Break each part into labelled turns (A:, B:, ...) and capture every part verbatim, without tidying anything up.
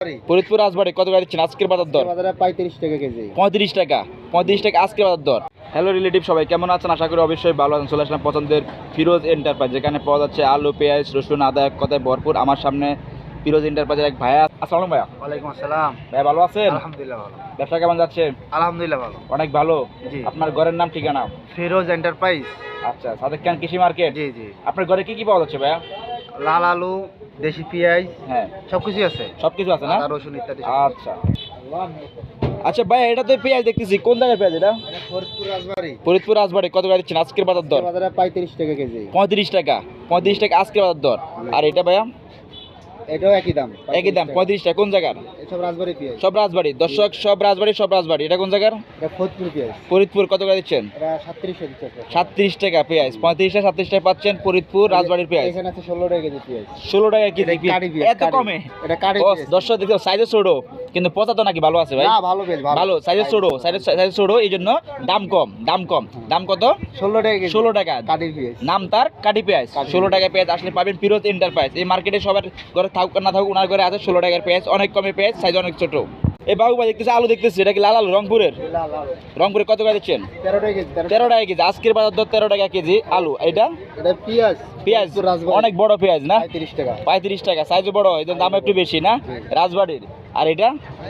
A: ফরিদপুর রাজবাড়ী কত করে দিচ্ছেন আজকের বাজার দর?
B: বাজারে পঁয়ত্রিশ টাকা কেজি।
A: পঁয়ত্রিশ টাকা পঁয়ত্রিশ টাকা আজকের বাজার দর। হ্যালো রিলেটিভ, সবাই কেমন আছেন? আশা করি অবশ্যই ভালো আছেন। চলে আসলাম পছন্দের ফিরোজ এন্টারপ্রাইজ, যেখানে পাওয়া যাচ্ছে আলু, পেঁয়াজ, রসুন, আদা এক কথায় ভরপুর। আমার সামনে ফিরোজ এন্টারপ্রাইজের এক ভাইয়া। আসসালাম ভাইয়া।
B: ওয়ালাইকুম আসসালাম।
A: ভাইয়া ভালো আছেন?
B: আলহামদুলিল্লাহ ভালো।
A: ব্যবসা কেমন যাচ্ছে?
B: আলহামদুলিল্লাহ ভালো।
A: অনেক ভালো।
B: জি।
A: আপনার ঘরের নাম ঠিকানা?
B: ফিরোজ এন্টারপ্রাইজ।
A: আচ্ছা, সাদেক খান কৃষি মার্কেট।
B: জি জি।
A: আপনার ঘরে কি কি পাওয়া যাচ্ছে ভাইয়া?
B: লাল আলু, দেশি পেঁয়াজ,
A: হ্যাঁ,
B: সবকিছু আছে।
A: সব কিছু আছে না?
B: আদা, রসুন ইত্যাদি।
A: আচ্ছা আচ্ছা ভাই, এটা তো পেঁয়াজ দেখতেছি, কোন জায়গায় পেঁয়াজ এটা?
B: ফরিদপুর রাজবাড়ী।
A: ফরিদপুর রাজবাড়ী কত করে দিচ্ছেন আজকের বাজার দর?
B: বাজারে পঁয়ত্রিশ টাকা কেজি।
A: পঁয়ত্রিশ টাকা পঁয়ত্রিশ টাকা আজকের বাজার দর। আর এটা ভাইয়া?
B: এটাও একই দাম।
A: একই দাম পঁয়ত্রিশ টাকা। কোন জায়গার?
B: সব রাজবাড়ী পেঁয়াজ।
A: সব রাজবাড়ি দর্শক, সব রাজবাড়ি সব রাজবাড়ি। এটা কোন জায়গার?
B: এটা ফরিদপুর পেঁয়াজ।
A: ফরিদপুর কত করে দিচ্ছেন?
B: এটা সাতত্রিশ টাকা।
A: সাতত্রিশ টাকা পেঁয়াজ। পঁয়ত্রিশ টাকা সাতত্রিশ টাকা পাচ্ছেন ফরিদপুর রাজবাড়ির পেঁয়াজ।
B: এখানে আছে ষোলো টাকা কেজি পেঁয়াজ।
A: ষোলো টাকা কেজি
B: এটা কারি পেঁয়াজ,
A: এত
B: কারি।
A: কমে?
B: এটা কারি
A: ও,
B: পেঁয়াজ।
A: দর্শক দেখো সাইজে ছোট, কিন্তু পচা তো নাকি ভালো আছে ভাই?
B: না, ভালো পেঁয়াজ,
A: ভালো সাইজে ছোট, সাইজে সাইজে ছোট, এই জন্য দাম কম। দাম কম দাম কত?
B: ষোলো টাকা কেজি।
A: ষোলো টাকা
B: কারি পেঁয়াজ।
A: নাম তার কাটি পেঁয়াজ। ষোলো টাকায় পেঁয়াজ আসলে পাবেন ফিরোজ এন্টারপ্রাইজ। এই মার্কেটে সবার ঘরে থাকুক আর না থাকুক, ওনার ঘরে আছে ষোলো টাকার পেঁয়াজ। অনেক কমে পেঁয়াজ, সাইজ অনেক ছোট। এই বাবু ভাই দেখতেছি আলু দেখতেছি, এটা কি লাল আলু রংপুরের?
B: লাল আলু।
A: রংপুরে কত করে দিচ্ছেন?
B: তেরো টাকা কেজি।
A: তেরো টাকা কেজি আজকের বাজার দর। তেরো টাকা কেজি আলু। এটা
B: এটা পেঁয়াজ।
A: পেঁয়াজ
B: ফরিদপুর রাজবাড়ী।
A: অনেক বড় পেঁয়াজ না?
B: পঁয়ত্রিশ টাকা।
A: পঁয়ত্রিশ টাকা সাইজও বড়, এই জন্য দাম একটু বেশি না রাজবাড়ির। আর এটা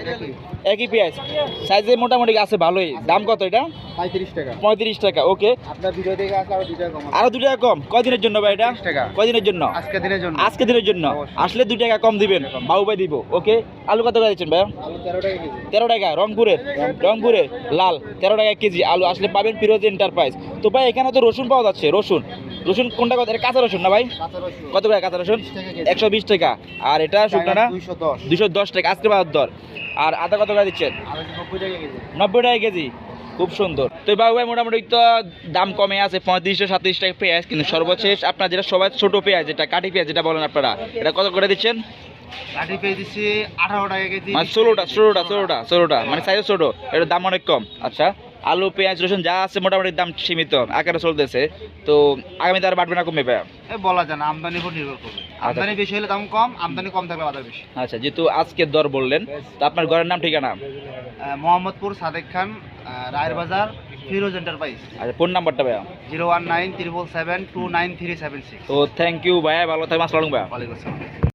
A: একই পেঁয়াজ, সাইজে মোটামুটি আছে ভালোই। দাম কত এটা?
B: পঁয়ত্রিশ টাকা।
A: পঁয়ত্রিশ টাকা। ওকে,
B: আপনার ভিডিও দেখে আসলে আরো দুই টাকা কম।
A: আরো দু টাকা কম। কয়দিনের জন্য ভাই এটা?
B: ত্রিশ টাকা।
A: কয়দিনের জন্য?
B: আজকে দিনের জন্য।
A: আজকে দিনের জন্য। আসলে দুই টাকা কম দিবেন, বাবু ভাই দিব। ওকে, আলু কত করে দিচ্ছেন ভাই?
B: আলু তেরো টাকা কেজি।
A: তেরো টাকা রংপুরের, রংপুরের লাল তেরো টাকা কেজি আলু আসলে পাবেন ফিরোজ এন্টারপ্রাইজ। তো ভাই এখানে তো রসুন পাওয়া যাচ্ছে। রসুন রসুন কোনটা কত? এটা কাঁচা রসুন না ভাই?
B: কাঁচা রসুন।
A: কত করে কাঁচা রসুন?
B: বিশ টাকা কেজি।
A: একশো বিশ টাকা। আর এটা শুকনো না?
B: দুইশো দশ।
A: দুশো দশ টাকা আজকে বাজার দর। আর আদা কত করে দিচ্ছেন?
B: আলু নব্বই টাকা কেজি।
A: নব্বই টাকা কেজি। খুব সুন্দর। তো বাবু ভাই মোটামুটি তো দাম কমে আছে, পঁয়ত্রিশশো সাতত্রিশ টাকা পেঁয়াজ। কিন্তু সর্বশেষ আপনার যেটা সবাই ছোট পেঁয়াজ, যেটা কাটি পেঁয়াজ যেটা বলেন আপনারা, এটা কত করে দিচ্ছেন?
B: কাঠি পেয়ে দিচ্ছি আঠারো টাকা কেজি।
A: মানে ষোলোটা ষোলোটা ষোলোটা ষোলোটা মানে সাইজ ছোট, এটার দাম অনেক কম। আচ্ছা, আলু, পেঁয়াজ, রসুন যা আছে মোটামুটি দাম সীমিত আকারে চলতেছে। তো আগামীতে আর বাড়বে না কমবে ভাইয়া?
B: এ বলা যায় না, আমদানির উপর নির্ভর করবে। আমদানি বেশি হলে দাম কম, আমদানি কম থাকলে বাজার বেশি।
A: আচ্ছা, যেহেতু আজকের দর বললেন, তো আপনার ঘরের নাম ঠিকানা?
B: আহ, মোহাম্মদপুর সাদেক খান, আহ, রায়ের বাজার, ফিরোজ এন্টারপ্রাইজ।
A: আচ্ছা, ফোন নাম্বারটা ভাইয়া?
B: Zero one nine triple seven two nine three seven six.
A: তো থ্যাংক ইউ ভাইয়া, ভালো থাকবেন। আসসালামু আলাইকুম ভাইয়া।
B: ওয়ালাইকুম আসসালাম।